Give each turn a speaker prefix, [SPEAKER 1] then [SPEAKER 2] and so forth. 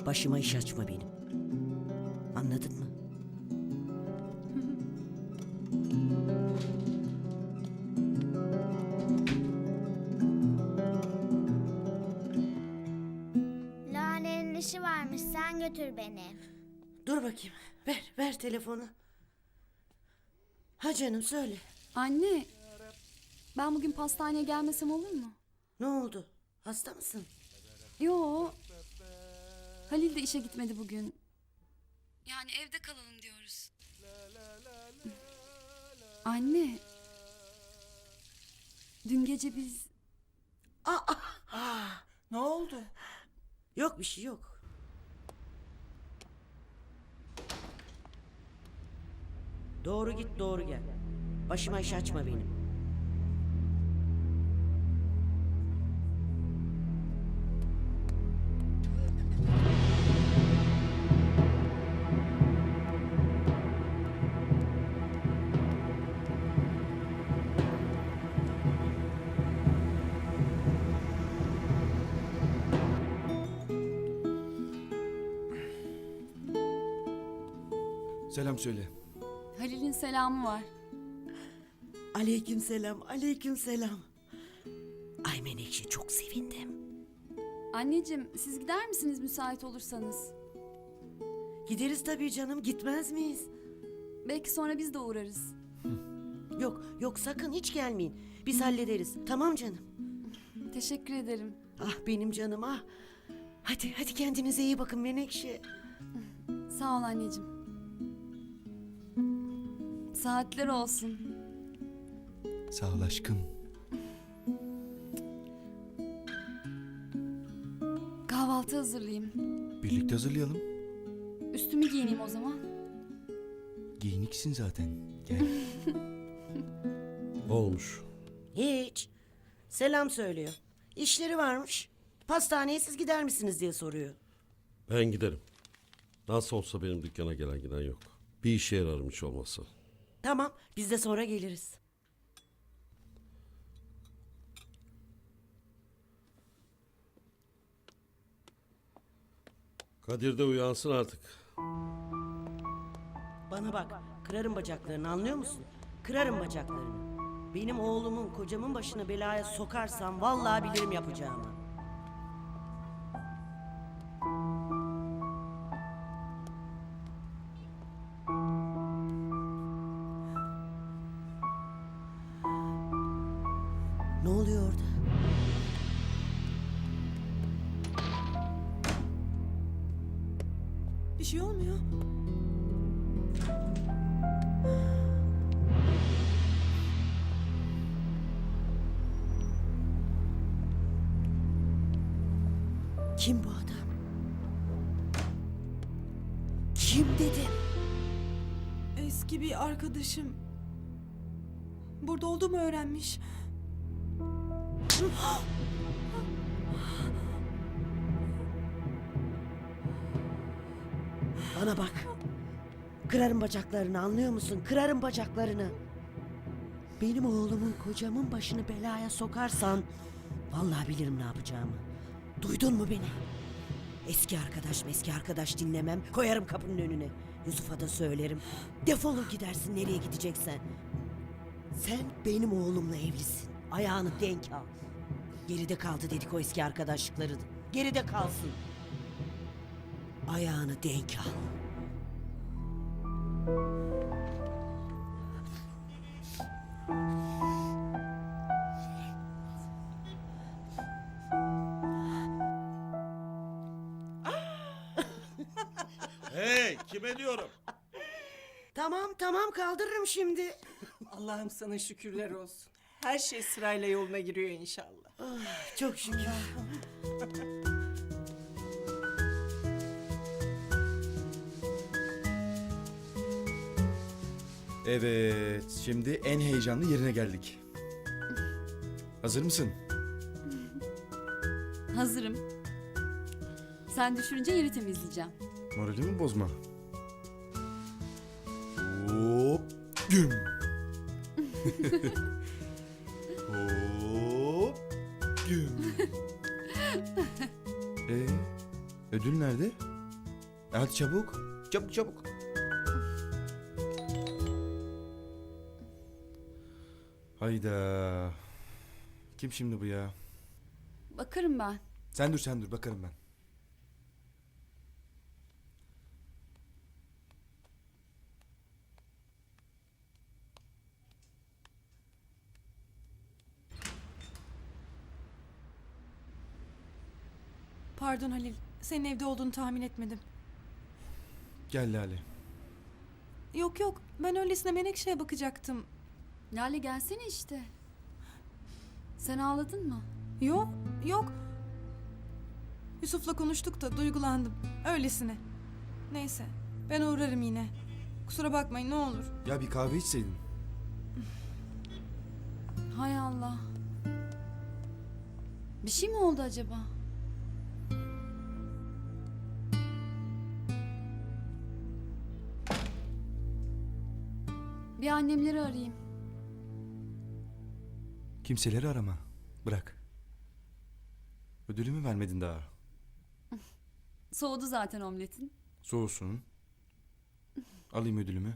[SPEAKER 1] Başıma iş açma benim. Anladın mı?
[SPEAKER 2] Lale'nin işi varmış, sen götür beni.
[SPEAKER 1] Dur bakayım. Ver telefonu. Ha canım söyle.
[SPEAKER 3] Anne, ben bugün pastaneye gelmesem olur mu?
[SPEAKER 1] Ne oldu? Hasta mısın?
[SPEAKER 3] Yo. Halil de işe gitmedi bugün. Yani evde kalalım diyoruz. Anne. Dün gece biz...
[SPEAKER 4] Ne oldu?
[SPEAKER 1] Yok bir şey yok. Doğru git doğru gel. Başıma iş açma benim.
[SPEAKER 5] Selam söyle.
[SPEAKER 3] Halil'in selamı var.
[SPEAKER 1] Aleykümselam, aleykümselam. Ay Menekşe çok sevindim.
[SPEAKER 3] Anneciğim, siz gider misiniz müsait olursanız?
[SPEAKER 1] Gideriz tabii canım, gitmez miyiz?
[SPEAKER 3] Belki sonra biz de uğrarız.
[SPEAKER 1] Yok sakın hiç gelmeyin. Biz hallederiz. Tamam canım.
[SPEAKER 3] Teşekkür ederim.
[SPEAKER 1] Ah benim canım ah. Hadi kendinize iyi bakın Menekşe.
[SPEAKER 3] Sağ ol anneciğim. Saatler olsun.
[SPEAKER 5] Sağ ol aşkım.
[SPEAKER 3] Kahvaltı hazırlayayım.
[SPEAKER 5] Birlikte hazırlayalım.
[SPEAKER 3] Üstümü giyineyim o zaman.
[SPEAKER 5] Giyiniksin zaten. Gel.
[SPEAKER 6] Olmuş.
[SPEAKER 1] Hiç. Selam söylüyor. İşleri varmış. Pastaneye siz gider misiniz diye soruyor.
[SPEAKER 6] Ben giderim. Nasıl olsa benim dükkana gelen giden yok. Bir işe yararım hiç olmazsa.
[SPEAKER 1] Tamam biz de sonra geliriz.
[SPEAKER 6] Kadir de uyansın artık.
[SPEAKER 1] Bana bak kırarım bacaklarını anlıyor musun? Kırarım bacaklarını. Benim oğlumun kocamın başını belaya sokarsam vallahi bilirim yapacağımı. Ne oluyor orada?
[SPEAKER 4] Bir şey olmuyor.
[SPEAKER 1] Kim bu adam? Kim dedim?
[SPEAKER 4] Eski bir arkadaşım. Burada olduğumu öğrenmiş.
[SPEAKER 1] Bana bak. Kırarım bacaklarını anlıyor musun? Kırarım bacaklarını. Benim oğlumun kocamın başını belaya sokarsan vallahi bilirim ne yapacağımı. Duydun mu beni? Eski arkadaş dinlemem. Koyarım kapının önüne. Yusuf'a da söylerim. Defolur gidersin nereye gideceksen. Sen benim oğlumla evlisin. Ayağını denk al. Geride kaldı dedik o eski arkadaşlıkları. Geride kalsın. Ayağını denk al.
[SPEAKER 6] Hey kime diyorum?
[SPEAKER 1] Tamam kaldırırım şimdi.
[SPEAKER 4] Allah'ım sana şükürler olsun. Her şey sırayla yoluna giriyor inşallah.
[SPEAKER 1] Çok şükür.
[SPEAKER 5] Evet, şimdi en heyecanlı yerine geldik. Hazır mısın?
[SPEAKER 3] Hazırım. Sen düşürünce yeri temizleyeceğim.
[SPEAKER 5] Moralimi bozma. Hop, güm. Hop, güm. Ödül nerede? Hadi çabuk. Çabuk çabuk. Hayda. Kim şimdi bu ya?
[SPEAKER 3] Bakarım ben.
[SPEAKER 5] Sen dur bakarım ben.
[SPEAKER 7] Pardon Halil, senin evde olduğunu tahmin etmedim.
[SPEAKER 5] Gel Lale.
[SPEAKER 7] Yok yok, ben öylesine Menekşe'ye bakacaktım.
[SPEAKER 3] Lale gelsene işte. Sen ağladın mı?
[SPEAKER 7] Yok, yok. Yusuf'la konuştuk da duygulandım. Öylesine. Neyse, ben uğrarım yine. Kusura bakmayın ne olur.
[SPEAKER 5] Ya bir kahve içseydin.
[SPEAKER 3] Hay Allah. Bir şey mi oldu acaba? Bir annemleri arayayım.
[SPEAKER 5] Kimseleri arama. Bırak. Ödülümü vermedin daha.
[SPEAKER 3] Soğudu zaten omletin.
[SPEAKER 5] Soğusun. Alayım ödülümü.